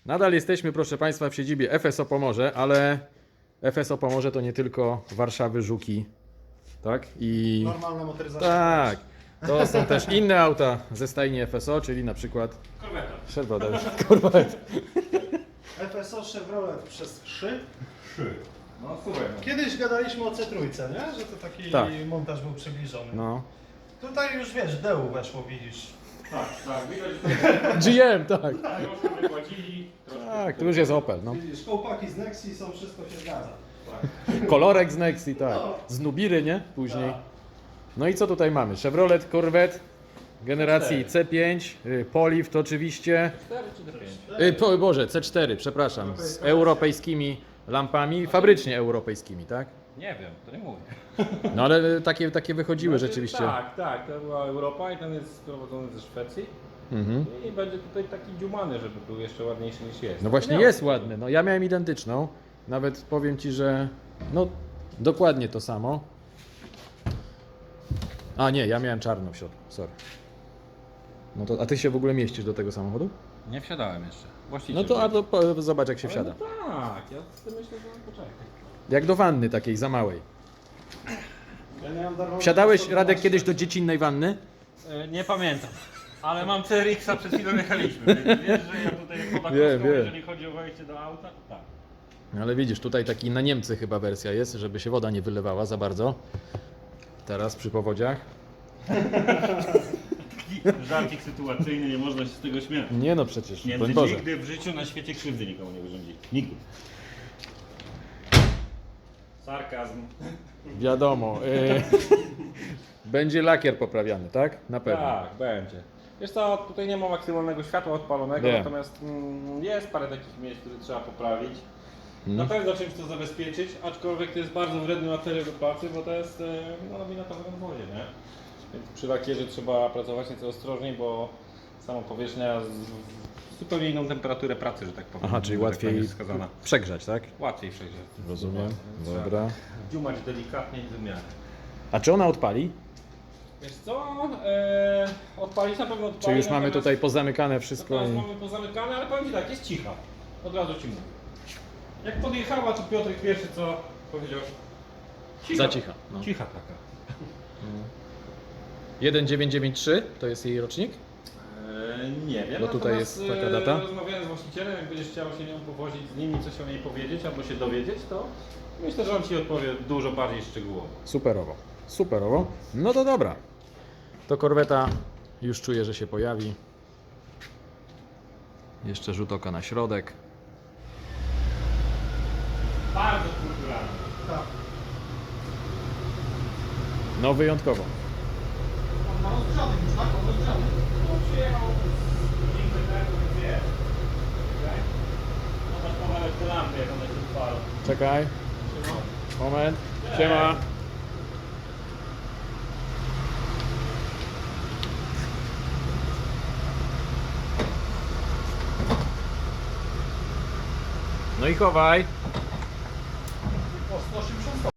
Nadal jesteśmy, proszę Państwa, w siedzibie FSO Pomorze, ale FSO Pomorze to nie tylko Warszawy, Żuki, tak? I Normalna motoryzacja. tak, to są też inne auta ze stajni FSO, czyli na przykład Corvette. FSO Chevrolet przez 3. No słuchaj. Kiedyś gadaliśmy o C3, nie? Że to taki Tak. montaż był przybliżony. No. Tutaj już wiesz, DEU weszło, widzisz. Tak, widać, że GM, tak. troszkę wypłacili. Tak, tu już jest Opel, no. Widzisz, kołpaki z Nexi są, wszystko się zgadza. Kolorek z Nexi, tak. Z Nubiry, nie? Później. No i co tutaj mamy? Chevrolet Corvette generacji C5, Poliv to oczywiście, 4 czy 5? Boże, C4, przepraszam, z europejskimi lampami, fabrycznie europejskimi, tak? Nie wiem, to nie mówię. No ale takie wychodziły rzeczywiście. Tak, to była Europa i ten jest sprowadzony ze Szwecji. Mhm. I będzie tutaj taki dziumany, żeby był jeszcze ładniejszy niż jest. No właśnie jest ładny, no ja miałem identyczną, nawet powiem Ci, że no dokładnie to samo. A nie, ja miałem czarno w środku, sorry. No to, a Ty się w ogóle mieścisz do tego samochodu? Nie wsiadałem jeszcze. Właściciel. No to, zobacz jak się wsiada. No tak, ja myślę, że poczekaj. Jak do wanny takiej za małej. Ja miałem darmowy Wsiadałeś, 112. Radek, kiedyś do dziecinnej wanny? Nie pamiętam. Ale mam CRX-a, przed chwilą jechaliśmy. Wiesz, że ja tutaj chłopak Wiem. jeżeli chodzi o wejście do auta, to tak. No ale widzisz, tutaj taki na Niemcy chyba wersja jest, żeby się woda nie wylewała za bardzo. Teraz przy powodziach. Taki żarcik sytuacyjny, nie można się z tego śmiać. Nie no przecież, broń Niemcy Boże. nigdy w życiu na świecie krzywdy nikomu nie wyrządzili. Nigdy. Sarkazm. Wiadomo. Będzie lakier poprawiany, tak? Na pewno. Tak, będzie. Wiesz co, tutaj nie ma maksymalnego światła odpalonego, Wiem. natomiast jest parę takich miejsc, które trzeba poprawić. Mm. Na pewno czymś to zabezpieczyć, aczkolwiek to jest bardzo wredny materiał do pracy, bo to jest laminatowe na wodzie, nie? Więc przy lakierze trzeba pracować nieco ostrożniej, bo sama powierzchnia zupełnie inną temperaturę pracy, że tak powiem. Aha, czyli że tak łatwiej powiem, jest wskazana. przegrzać, tak? Łatwiej przejdzie. Rozumiem. Trzeba Dobra. Dziumać delikatnie i wymiarę. A czy ona odpali? Wiesz co, odpalić na pewno odpali. Czy już mamy natomiast tutaj pozamykane wszystko? teraz I... mamy pozamykane, ale powiem Ci tak, jest cicha. Od razu Ci mówię. Jak podjechała, to Piotrek pierwszy co powiedział? Za cicha. No. Cicha taka. 1993 to jest jej rocznik? Nie wiem. No tutaj natomiast, jest taka data? Rozmawiałem z właścicielem, jak będziesz chciał się nią powozić z nimi, coś o niej powiedzieć albo się dowiedzieć, to myślę, że on Ci odpowie dużo bardziej szczegółowo. Superowo. Superowo. No to dobra. To korweta już czuję, że się pojawi. Jeszcze rzut oka na środek. Bardzo kulturalny. Tak. No wyjątkowo. On ma rozgrzany już, tak? On rozgrzany. Przyjechał z godzinkę temu, więc jest. Okay. Zobacz kawałek te lampy, jak one się odpalą. Czekaj. Moment. Siema. No i chowaj. O, 180